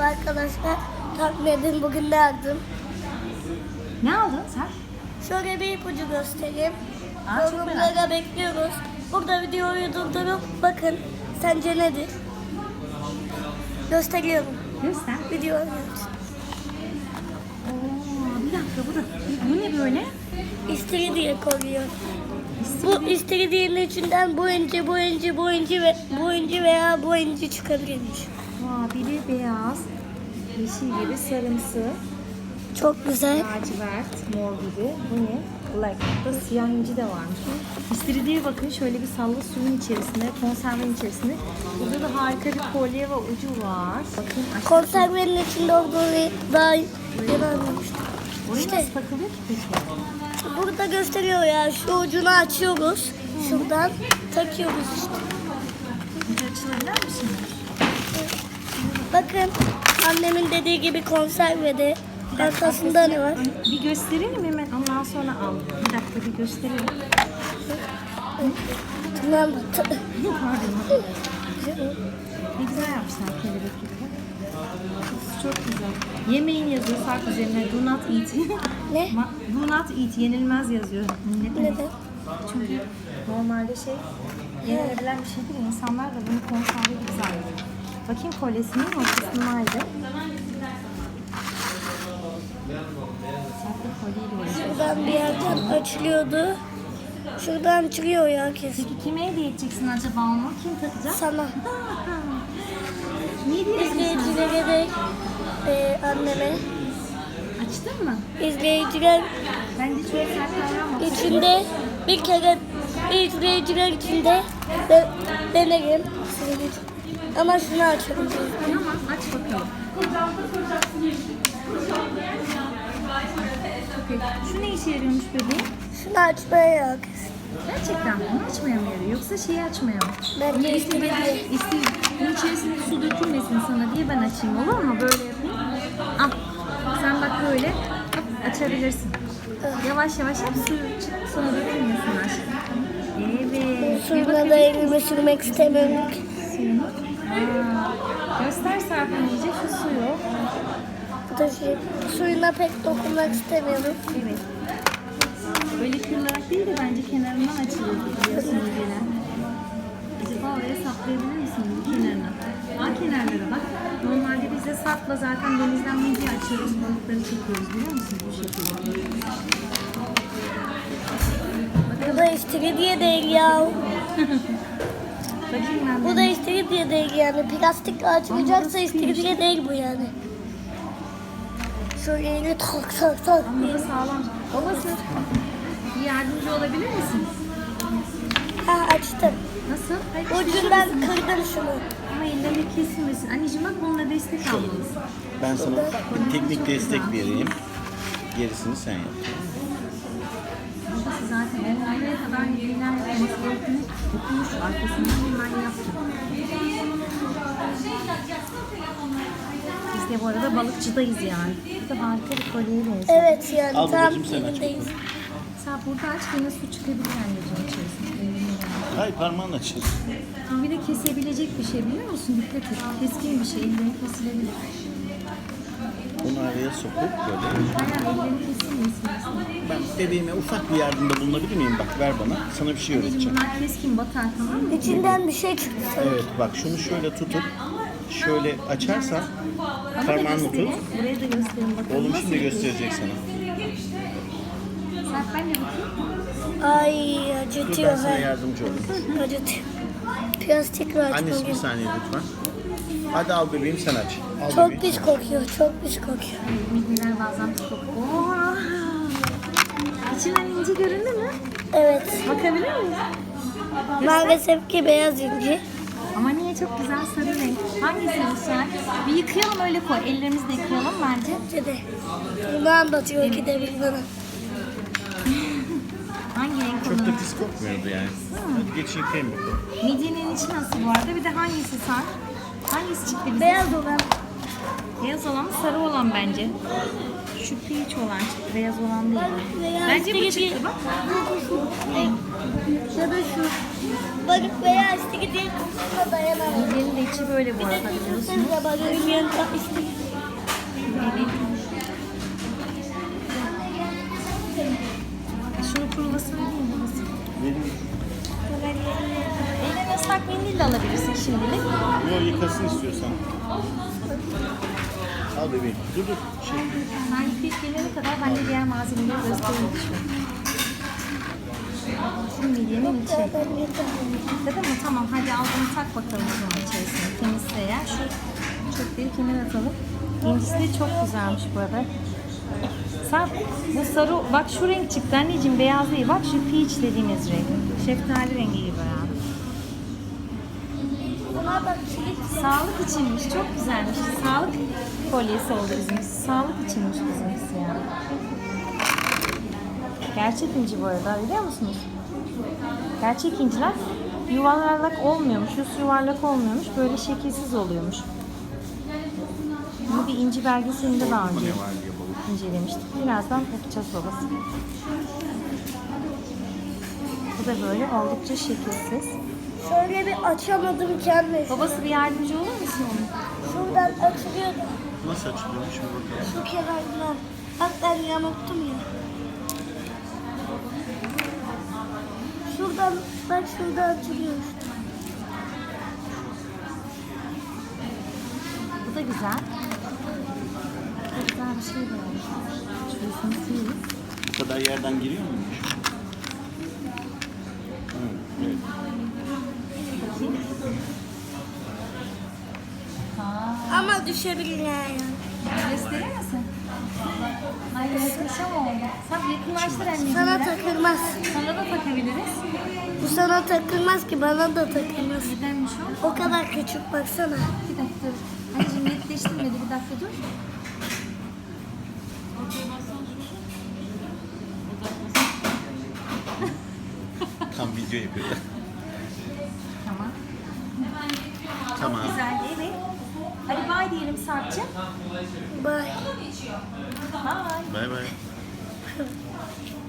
Merhaba arkadaşlar. Tahmin edin bugün ne aldım? Ne aldın sen? Şöyle bir ipucu göstereyim. Aa, çok merak Yorumlara bekliyoruz. Burada videoyu durdurup bakın. Sence nedir? Gösteriyorum. Göster. Videoyu. Oo, bir dakika bu ne böyle? İstiridye koyuyor. Bu istiridyenin içinden bu inci veya bu inci çıkabilirmiş. Biri beyaz, yeşil gibi, sarımsı, Çok güzel. lacivert, mor gibi. Bu ne? Black. Burada siyah inci de varmış. İstiridye bakın şöyle bir salla suyun içerisinde, konservenin içerisinde. Burada da harika bir kolye ve ucu var. Bakın aşağıda. Konservenin içinde olduğunu daha yeni anlamıştım. Oraya İşte. nasıl takılıyor ki peki? Burada gösteriyor ya. Şu ucunu açıyoruz. Şuradan takıyoruz işte. Ucu açılabilir mi şimdi? Bakın annemin dediği gibi konservede arkasında ne var? Bir gösterelim hemen ondan sonra al. Bir dakika bir gösterelim. Tamam. Pardon. Ne güzel yapmışlar kelebek gibi. Çok güzel. Yemeğin yazıyor fark üzerine. Do not eat. Ne? Do not eat. Yenilmez yazıyor. Neden? Neden? Çünkü normalde yenilebilen bir şey değil. İnsanlar da bunu konserve gibi zannediyor. Bakayım kolyesinin ortasındaydı. Saklı kolyeyle uğraşıyor. Şuradan bir yerden açılıyordu. Şuradan çıkıyor ya kesin. Peki kime hediye edeceksin acaba onu? Kim takacak? Sana. Niye diyorsun sen? İzleyicilere de anneme. Açtın mı? İzleyiciler Bence çok sert davranma. içinde bir kere izleyiciler içinde denerim. Ama şunu açalım. Tamam aç bakalım. Peki, şu ne işe yarıyormuş bebeğim? Şunu açmaya yok. Gerçekten mi? Onu açmaya mı yarıyor? Yoksa şeyi açmaya mı? Ben de Bunun içerisinde su dökülmesin sana diye ben açayım olur mu? Böyle yapayım. Al. Sen bak böyle hop, açabilirsin. Yavaş yavaş hep su sonra dökülmesin aşkım. Evet. Suyuna da elimi sürmek istemiyorum. Suyunu. Göster Serpil iyice şu suyu. Bu da suyuna pek dokunmak istemiyorum. Evet. Böyle kırılarak değil de bence kenarından açılır biliyorsunuz yine. Acaba oraya saplayabilir misin kenarına? Kenarlara bak. Normalde biz de sapla zaten denizden midye açıyoruz, balıkları çekiyoruz biliyor musunuz bu şekilde? Bu da istiridye değil ya. Bakayım ben Bu da istiridye değil yani. Plastikle açılacaksa istiridye değil bu yani. Şöyle yine tak tak tak. Ama bu sağlam. Babası bir yardımcı olabilir misin? Ha açtım. Nasıl? Hayır, Ucundan kırdım şunu. ama ellerine kesilmesin. Anneciğim bak bununla destek almalısın. Ben sana bir teknik destek vereyim. Gerisini sen yap. Babası zaten nereye kadar neler yapması gerektiğini okumuş. Arkasından hemen yaptı. Biz de bu arada balıkçıdayız yani. Bu da harika bir kolyeye benziyor. Evet yani Al tam babacığım, sen aç yerindeyiz. Sen burada aç yine su çıkabilir anneciğim içerisinde. Hayır parmağını açın. Bir de kesebilecek bir şey biliyor musun? Dikkat et. Keskin bir şey. Ellerini kesilebilir. Bunu araya sokup böyle. Aynen ellerini kesilmesin. Ben bebeğime ufak bir yardımda bulunabilir miyim? Bak ver bana. Sana bir şey Anneciğim öğreteceğim. bunlar keskin batar tamam mı? İçinden bir şey çıktı sanırım. Evet bak şunu şöyle tutup şöyle açarsan Bana da parmağını gösterin. tut. Buraya da gösterin bakalım. Oğlum Nasıl şimdi yapıyorsun? gösterecek sana. Sen ben de bakayım. Ay Dur ben acıtıyor. sana Ha. yardımcı olayım. Acıtıyor. Plastikle Annesi bir açmalıyım. saniye lütfen. Hadi al bebeğim sen aç. Al Çok bebeğim. pis kokuyor. Çok pis kokuyor. Midyeler bazen çok. Oha! İçinden inci göründü mü? Evet. Bakabilir miyiz? Maalesef ki beyaz inci. Ama niye çok güzel sarı renk. Hangisi olsa? Bir yıkayalım öyle koy. Ellerimizle yıkayalım bence. Dedi. Bunu anlatıyor ki de bir bana. Hangi renk Çok olur? da pis kokmuyordu yani. Hadi geç yıkayayım bakalım. Midyenin içi nasıl bu arada? Bir de hangisi sar? Hangisi çıktı bize? Beyaz olan. Beyaz olan mı sarı olan bence. Şu peach olan çıktı. Beyaz olan değil. Beyaz Bence bu gibi. çıktı bak. Ya da şu. Balık veya istiridye kokusuna dayanamam. Midyenin de içi böyle bu arada biliyorsunuz. Siz de balığın yanında istiridye yıkasın istiyorsan. Al bebeğim. Dur. Ben yıkayıp gelene kadar ben de diğer malzemeleri göstereyim şöyle. Şimdi midyenin içi. Değil mi? Tamam hadi al bunu tak bakalım o zaman içerisine. Temizle eğer. Şu çöpleri kenara atalım. İncisi de çok güzelmiş bu arada. Sen bu sarı, bak şu renk çıktı anneciğim, beyaz değil. Bak şu peach dediğimiz renk. Şeftali rengi gibi yani. Buna bak kilit. Sağlık içinmiş, çok güzelmiş. Sağlık kolyesi oldu bizimkisi. Sağlık içinmiş bizimkisi yani. Gerçek inci bu arada, biliyor musunuz? Gerçek inciler yuvarlak olmuyormuş, yüz yuvarlak olmuyormuş, böyle şekilsiz oluyormuş. Bunu bir inci belgeselinde daha önce incelemiştik. Birazdan bakacağız babası. Bu da böyle oldukça şekilsiz. Şöyle bir açamadım kendimi. Babası bir yardımcı olur musun onun? Şuradan açılıyor da Nasıl açılıyormuş bir bakalım. şu kenarından. Bak ben yanılttım ya. Şuradan, bak şurada açılıyor işte. Bu da güzel. Çok güzel bir şey de var. Şurasını sileyim. Bu kadar yerden giriyor muymuş? Evet. Bakayım. Aa, Ama düşebilir yani. gösterir misin? Ay muhteşem oldu. Sen yakınlaştır anneciğim. Sana biraz. takılmaz. Sana da takabiliriz. Bu sana takılmaz ki, bana da takılmaz. Nedenmiş o? O kadar küçük baksana. Bir dakika dur. Anneciğim netleştirmedi, bir dakika dur. Tam video yapıyordu. Tamam. Tamam. Güzel, evet. Hadi bay diyelim Sarp'cığım. Bye. Bye. Bay bay.